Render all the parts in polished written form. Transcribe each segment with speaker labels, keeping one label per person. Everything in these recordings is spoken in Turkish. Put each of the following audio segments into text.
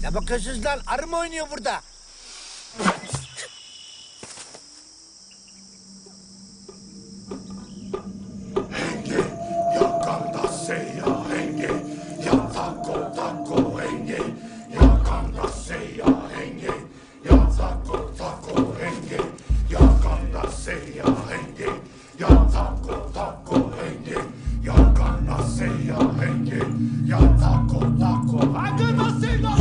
Speaker 1: Ne bakıyorsunuz lan? Arı mı oynuyor burada?
Speaker 2: Henge, yakanda seya henge, ya tako tako henge, yakanda seya henge, ya tako tako henge, yakanda seya henge, ya tako tako henge, yakanda seya henge, ya tako tako hakanda seya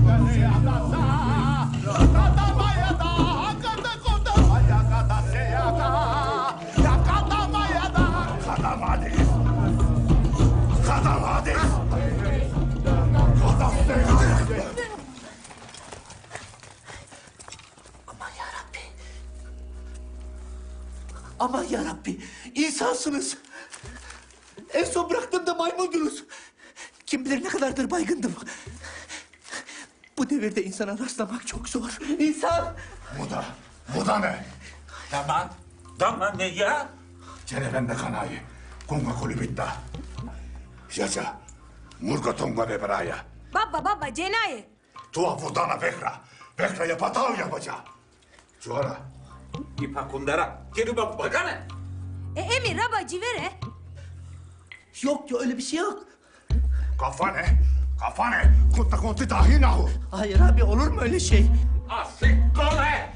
Speaker 3: Aman yarabbi, insansınız. En son bıraktığımda maymundunuz. Kim bilir ne kadardır baygındım. Bu devirde insana rastlamak çok zor. İnsan!
Speaker 2: Bu da ne?
Speaker 4: Tamam ne ya?
Speaker 2: Cerevende kanayı, kunga kolibitta. Jaja, murga tonga beberaya.
Speaker 5: Baba, cenaye.
Speaker 2: Tua vurdana bekra. Bekra yapatav yapaca. Cuara.
Speaker 4: İpa kundara. Geri bak bakana.
Speaker 5: Emir, raba, civere.
Speaker 3: Yok ya öyle bir şey yok.
Speaker 2: Kafane. Kafane. Kutta konti tahinahu.
Speaker 3: Hayır abi olur mu öyle şey?
Speaker 4: Asik kole.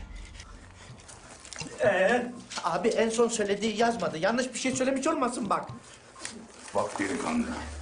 Speaker 3: Abi en son söylediği yazmadı. Yanlış bir şey söylemiş olmasın bak.
Speaker 2: Bak delikanlı.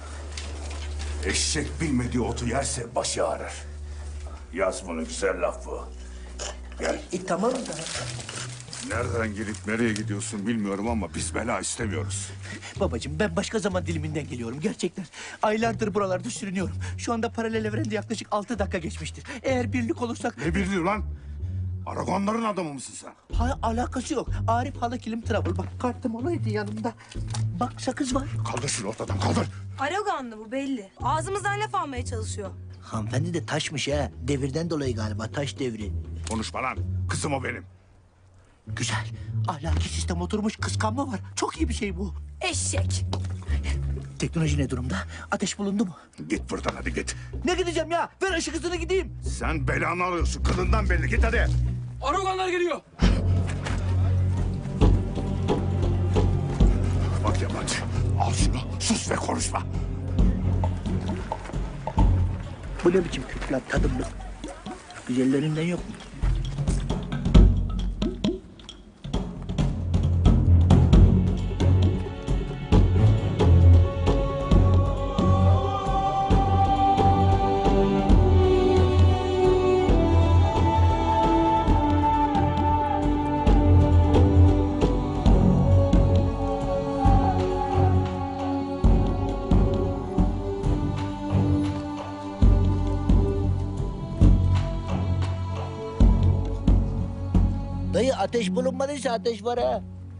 Speaker 2: Eşek bilmediği otu yerse başı ağrır. Yaz bunu, güzel laf bu. Gel.
Speaker 3: Tamam da.
Speaker 2: Nereden gelip nereye gidiyorsun bilmiyorum ama biz bela istemiyoruz.
Speaker 3: Babacığım ben başka zaman diliminden geliyorum gerçekten. Aylardır buralarda sürünüyorum. Şu anda paralel evrende yaklaşık 6 dakika geçmiştir. Eğer birlik olursak...
Speaker 2: Ne birliği lan? Aragonların adamı mısın sen?
Speaker 3: Alakası yok. Arif Hala Kilim Travel. Bak kartım olaydı yanımda. Bak sakız var.
Speaker 2: Kaldır şunu ortadan, kaldır.
Speaker 5: Araganlı bu belli. Ağzımızdan laf almaya çalışıyor.
Speaker 1: Hanımefendi de taşmış ha. Devirden dolayı galiba, taş devri.
Speaker 2: Konuşma lan. Kızım o benim.
Speaker 3: Güzel. Ahlaki sistem oturmuş kıskanma var. Çok iyi bir şey bu.
Speaker 5: Eşek.
Speaker 3: Teknoloji ne durumda? Ateş bulundu mu?
Speaker 2: Git buradan hadi git.
Speaker 3: Ne gideceğim ya? Ver ışık hızını gideyim.
Speaker 2: Sen belanı alıyorsun. Kılından belli. Git hadi.
Speaker 4: Aragonlar geliyor.
Speaker 2: Bak yabancı. Al şunu. Sus ve konuşma.
Speaker 1: Bu ne biçim Türkler tadımlık? Güzellerinden yok mu? Dayı ateş bulunmadıysa ateş var ha.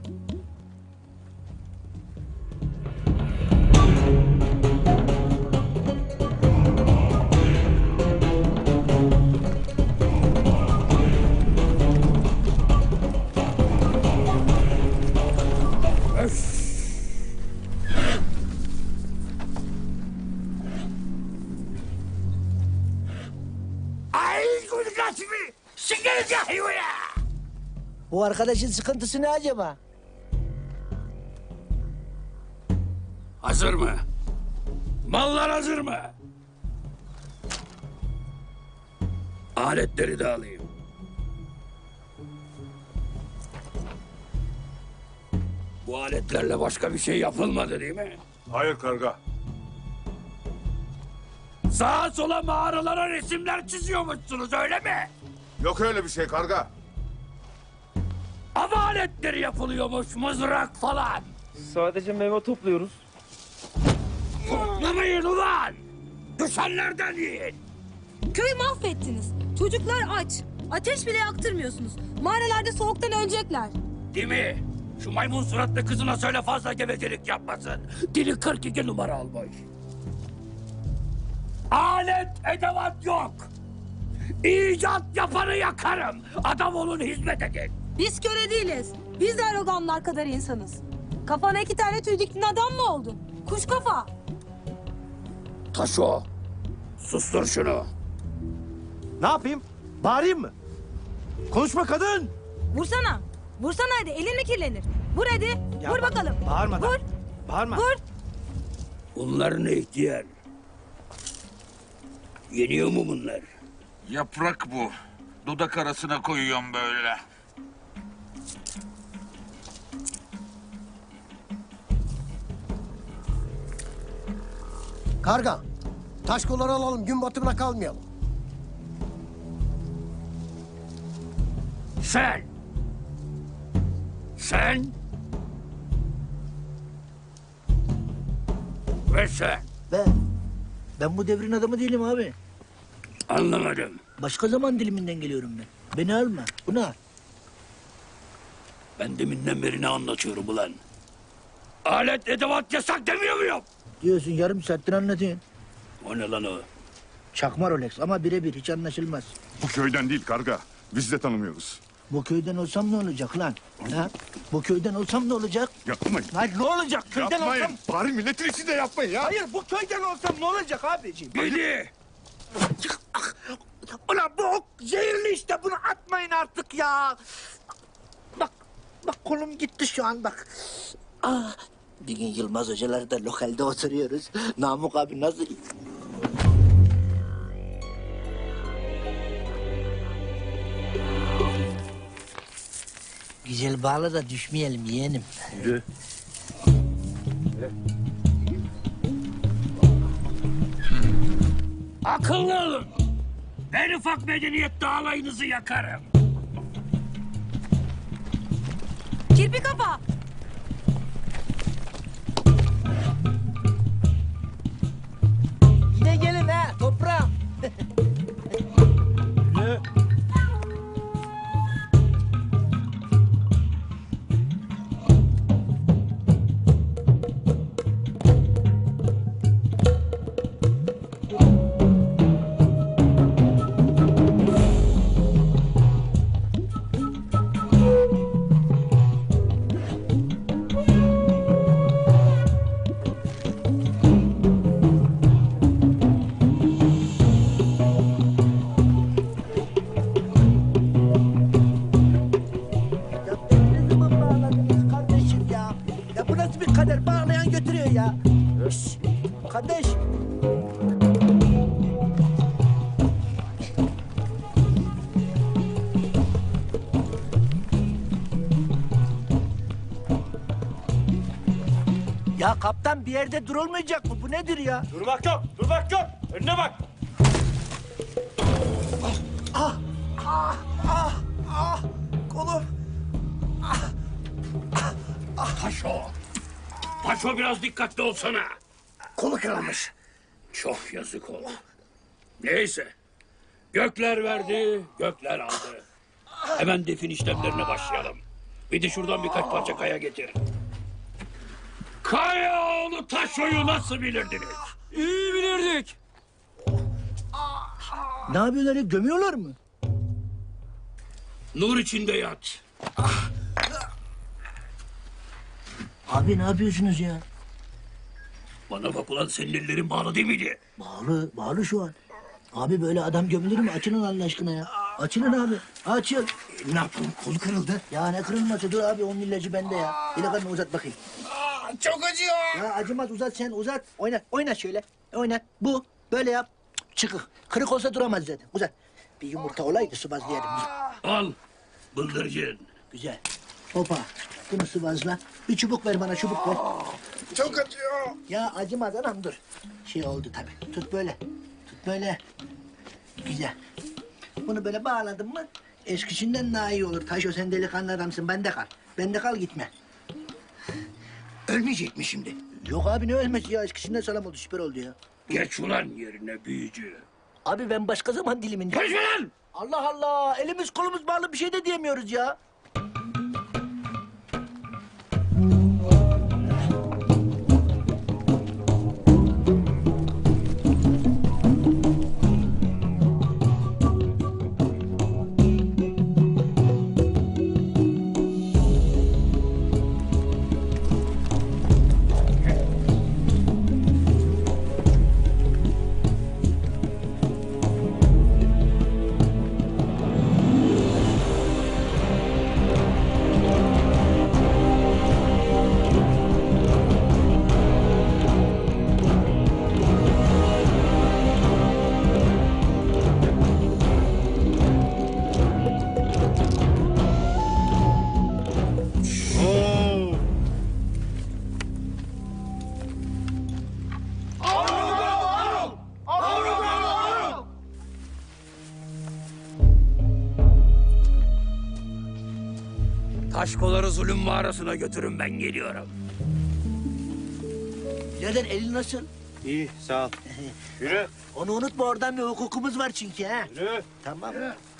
Speaker 2: Ay kulgasını. Şeker cahiyo ya.
Speaker 1: Bu arkadaşın sıkıntısı ne acaba?
Speaker 4: Hazır mı? Mallar hazır mı? Aletleri de alayım. Bu aletlerle başka bir şey yapılmadı değil mi?
Speaker 2: Hayır karga.
Speaker 4: Sağa sola mağaralara resimler çiziyormuşsunuz öyle mi?
Speaker 2: Yok öyle bir şey karga.
Speaker 4: Av aletleri yapılıyormuş, mızrak falan.
Speaker 6: Sadece meyve topluyoruz.
Speaker 4: Toplamayın ulan! Düşenlerden yiyin!
Speaker 5: Köyü mahvettiniz. Çocuklar aç. Ateş bile yaktırmıyorsunuz. Mağaralarda soğuktan ölecekler.
Speaker 4: Değil mi? Şu maymun suratlı kızına söyle fazla gevezelik yapmasın. Dili 42 numara almış. Alet edevat yok. İcat yapanı yakarım. Adam olun, hizmet edin.
Speaker 5: Biz köre değiliz. Biz de Araganlar kadar insanız. Kafana 2 tane tüy diktin adam mı oldun? Kuş kafa.
Speaker 4: Taşo, sustur şunu.
Speaker 7: Ne yapayım? Bağırayım mı? Konuşma kadın!
Speaker 5: Vursana. Vursana hadi. Elin mi kirlenir? Vur hadi.
Speaker 7: Ya
Speaker 5: Vur bakalım.
Speaker 7: Bağırmadan.
Speaker 5: Vur.
Speaker 7: Bağırma.
Speaker 5: Vur.
Speaker 4: Bunlar ne ihtiyar? Yeniyor mu bunlar?
Speaker 8: Yaprak bu. Dudak arasına koyuyorum böyle.
Speaker 9: Karga, taş kolları alalım, gün batımına kalmayalım.
Speaker 4: Sen! Sen! Ve sen!
Speaker 1: Ben bu devrin adamı değilim abi.
Speaker 4: Anlamadım.
Speaker 1: Başka zaman diliminden geliyorum ben. Beni alma. Bunu al.
Speaker 4: Ben deminden beri ne anlatıyorum ulan? Alet edevat yasak demiyor muyum?
Speaker 1: Diyorsun yarım saattir anlatıyorsun.
Speaker 4: O ne lan o?
Speaker 1: Çakma Rolex ama birebir hiç anlaşılmaz.
Speaker 2: Bu köyden değil karga. Biz de tanımıyoruz.
Speaker 1: Bu köyden olsam ne olacak lan? Ha? Bu köyden olsam ne olacak?
Speaker 2: Yapmayın.
Speaker 7: Hayır ne olacak? Köyden
Speaker 2: Yapmayın.
Speaker 7: olsam...
Speaker 2: Bari milletin içinde yapmayın ya.
Speaker 7: Hayır bu köyden olsam ne olacak abiciğim?
Speaker 4: Beni!
Speaker 7: Ulan bu ok zehirli işte bunu atmayın artık ya.
Speaker 1: Bak kolum gitti şu an bak. Bir gün Yılmaz Hocalar da lokalde oturuyoruz. Namık abi nasıl... Güzel bağla da düşmeyelim yeğenim.
Speaker 4: Akıllı olun! En ufak medeniyette alayınızı yakarım.
Speaker 5: Kirpi kafa.
Speaker 1: Yine gelin ha toprağım. Ya beni ne zaman bağladınız kardeşim ya? Ya bu nasıl bir kader? Bağlayan götürüyor ya. Şşş, kardeş. Ya kaptan bir yerde durulmayacak mı? Bu nedir ya?
Speaker 7: Durmak yok, durmak yok. Önüne bak.
Speaker 9: Kolum.
Speaker 4: Paşo! Paşo biraz dikkatli olsana.
Speaker 9: Kolu kırılmış.
Speaker 4: Çok yazık oldu. Neyse. Gökler verdi, gökler aldı. Hemen defin işlemlerine başlayalım. Bir de şuradan birkaç parça kaya getir. Kayaoğlu Taşo'yu nasıl bilirdiniz?
Speaker 6: İyi bilirdik.
Speaker 1: Ne yapıyorlar ya? Gömüyorlar mı?
Speaker 4: Nur içinde yat.
Speaker 1: Abi ne yapıyorsunuz ya?
Speaker 4: Bana bak ulan senin ellerin bağlı değil miydi?
Speaker 1: Bağlı şu an. Abi böyle adam gömülür mü? Açılın Allah aşkına ya. Açılın abi. Açıl.
Speaker 9: Ne yapalım, kolu kırıldı.
Speaker 1: Ya ne kırılması? Dur abi onun ilacı bende ya. İlakanı uzat bakayım.
Speaker 9: Çok acıyor.
Speaker 1: Ya acımaz uzat sen uzat. Oynat şöyle. Oynat. Bu. Böyle yap. Çıkık. Kırık olsa duramaz zaten. Uzat. Bir yumurta olaydı sıvazlayalım.
Speaker 4: Al. Bıldırcın.
Speaker 1: Güzel. Hopa. Bunu sıvazla. Bir çubuk ver bana çubuk ver.
Speaker 9: Çok acıyor.
Speaker 1: Ya acımaz anam dur. Şey oldu tabii. Tut böyle. Tut böyle. Güzel. Bunu böyle bağladın mı eskisinden daha iyi olur. Taşo sen delikanlı adamsın. Bende kal. Bende kal gitme.
Speaker 9: Ölmeyecek mi şimdi?
Speaker 1: Yok abi ne ölmesi ya. Eskisinden sağlam oldu. Süper oldu ya.
Speaker 4: Geç ulan yerine büyücü.
Speaker 1: Abi ben başka zaman diliminde.
Speaker 4: Konuşma lan!
Speaker 1: Allah Allah. Elimiz kolumuz bağlı bir şey de diyemiyoruz ya.
Speaker 4: Aşkoları zulüm mağarasına götürün, ben geliyorum.
Speaker 1: Birader elin nasıl?
Speaker 9: İyi sağ ol. Yürü.
Speaker 1: Onu unutma, oradan bir hukukumuz var çünkü ha.
Speaker 9: Yürü.
Speaker 1: Tamam.